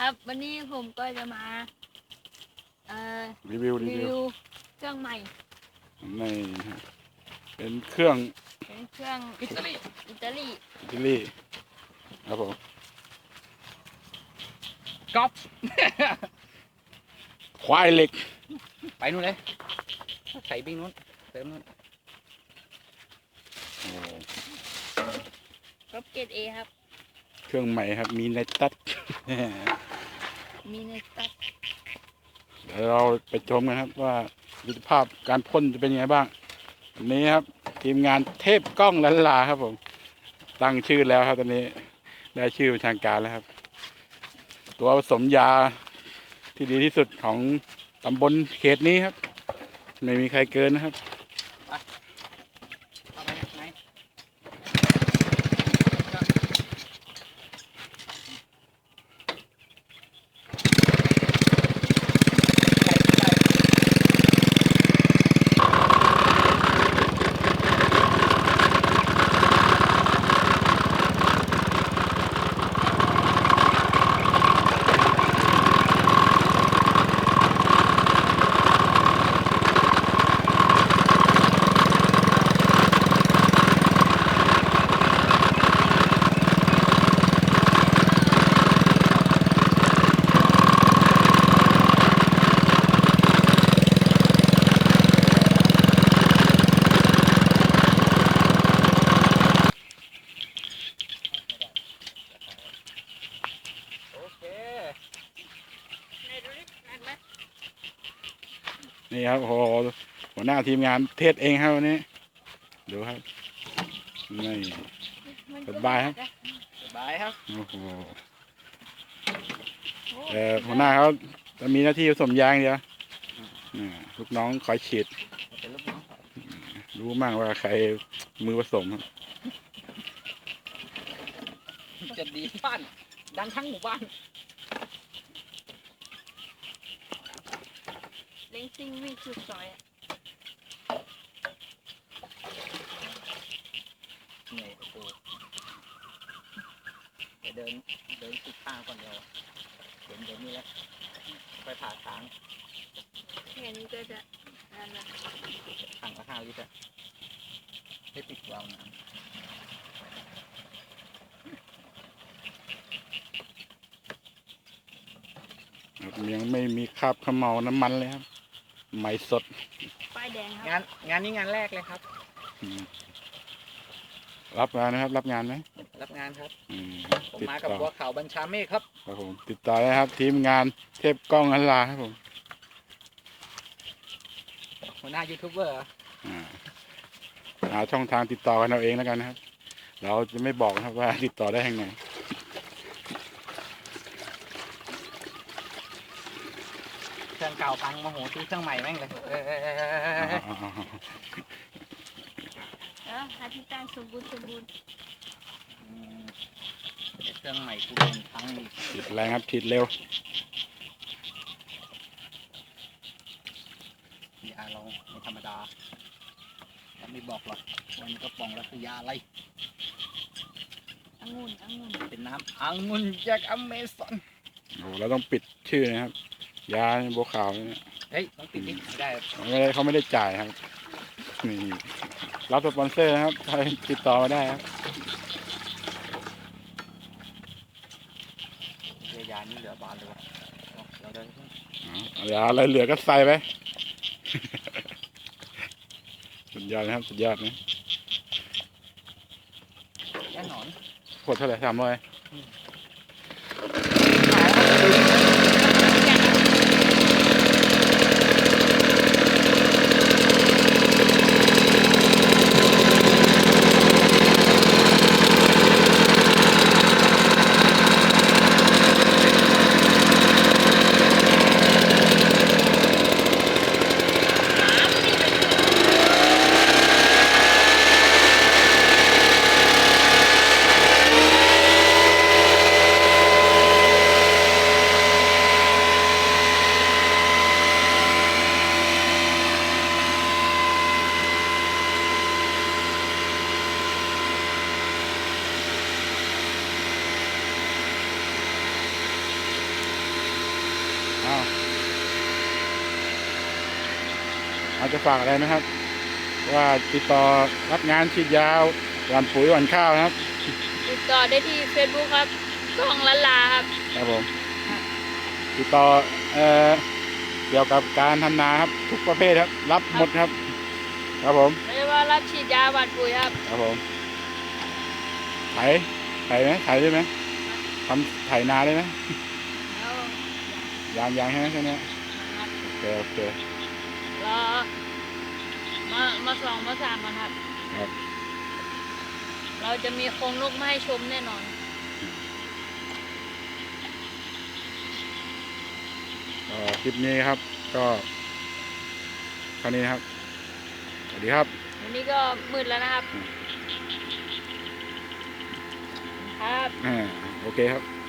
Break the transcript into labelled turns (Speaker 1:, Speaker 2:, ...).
Speaker 1: ครับวันนี้ผมก็จะมา
Speaker 2: รีวิว
Speaker 1: เครื่องใหม่
Speaker 2: ในเป็นเครื่อง
Speaker 1: อิตาลี
Speaker 2: ครับผม
Speaker 3: ก๊อป
Speaker 2: ควายเหล็ก
Speaker 3: ไปนู่นเลยใส่บิ้งนู้นเติมนู้น
Speaker 1: ก๊อปเกรด A ครับ
Speaker 2: เครื่องใหม่ครับมีในตัด เดี๋ยวเราไปชมกันครับว่าประสิทธิภาพการพ่นจะเป็นยังไงบ้างวันนี้ครับทีมงานเทพกล้องลันลาครับผมตั้งชื่อแล้วครับตอนนี้ได้ชื่อเป็นทางการแล้วครับตัวผสมยาที่ดีที่สุดของตำบลเขตนี้ครับไม่มีใครเกินนะครับ
Speaker 3: เอาไปไหน
Speaker 2: นี่ครับโอ้โหหัวหน้าทีมงานเทศเองครับวันนี้ดูครับนี่สบายครับ
Speaker 3: สบายครับ
Speaker 2: โอ้โหหัวหน้าเขาจะมีหน้าที่ผสมยางเดียวลูกน้องคอยฉีด
Speaker 3: เป็นลูกน้อง
Speaker 2: รู้มั่งว่าใครมือผสมครับ
Speaker 3: จะดีบ้านดังทั้งหมู่บ้าน
Speaker 1: เล้งซิ่งวิ่งสุดซอย
Speaker 3: เหนื่อยกูเดินติดทางก่อนเดียวเดี๋ยวนี้แล้วไปผ่าทาง
Speaker 1: แค่นี้ก็จะนั่นละ
Speaker 3: ถังละ5 ลิตรให้ปิดวาล์วน้
Speaker 2: ยังไม่มีคราบเขม่าน้ำมันเลยครับใหม่สด
Speaker 1: ป้ายแดงค
Speaker 3: ำ
Speaker 1: รับ
Speaker 3: งานนี้งานแรกเลยครับ
Speaker 2: รับงานนะครับรับงานไหม
Speaker 3: รับงานครับ ผม
Speaker 2: ติด
Speaker 3: มากับ
Speaker 2: ต่อ
Speaker 3: บัวขาวบัญชาเมฆครับ
Speaker 2: ครับผมติดต่อได้ครับทีมงานเทพกล้องลันลาครับผม
Speaker 3: หัวหน้ายูทูบเบอร์
Speaker 2: หาช่องทางติดต่อกันเอาเองแล้วกันนะครับเราจะไม่บอกนะครับว่าติดต่อได้ทางไหน
Speaker 3: เครื่องเก่าพังมาโหซื้อเครื่องใหม่แม่งเลย
Speaker 1: หาที่ตั้งสมบูรณ์
Speaker 3: เครื่องใหม่กูโดนพังอีก
Speaker 2: ติดแรงครับติดเร็วย
Speaker 3: าเราไม่ธรรมดาเราไม่บอกหรอกวันนี้ก็ปองแล้วคือยาอะไร
Speaker 1: องุ่น
Speaker 3: เป็นน้ำองุ่นจากอเมซอน
Speaker 2: โอ้เราต้องปิดชื่อนะครับยาบัวขาวเนี่ย
Speaker 3: เฮ้ยต้องติดนี่ไม่ได้
Speaker 2: เขาไม่ได้จ่ายครับนี่รับสปอนเซอร์นะครับใครติดต่อมาได้ครับ
Speaker 3: ยานี่เหลือบานเลยวะเราเดิน
Speaker 2: ยาอะไรเหลือก็ใส่ไป สุดยอดนะครับสุดยอดนะ
Speaker 3: แน่นอน
Speaker 2: ขวดเท่าไหร่300 อาจจะฝากอะไรไหมครับ ว่าติดต่อรับงานฉีดยาหว่านปุ๋ยหว่านข้าวนะครับ
Speaker 1: ติดต่อได้ที่ Facebook ครับกล้องละลาครับ
Speaker 2: ครับผมติดต่อเกี่ยวกับการทำนาครับทุกประเภทครับ รับหมดครับ ครับผม
Speaker 1: ไม่ว่ารับฉีดยาหว่านปุ๋ยครับ
Speaker 2: ครับผมไถไหมไถได้ไหมทำไถนาได้ไหม
Speaker 1: แล้ว
Speaker 2: ยางใช่ไหมแค่นี้
Speaker 1: ครับ
Speaker 2: โอเค
Speaker 1: รอมาสองมาสามกันครับ
Speaker 2: ครับ
Speaker 1: เราจะมีโครงลูกมาให้ชมแน่นอน
Speaker 2: คลิปนี้ครับ ก็เท่านี้นะครับสวัสดีครับ
Speaker 1: วันนี้ก็มืดแล้วนะครับ ครับ
Speaker 2: โอเคครับ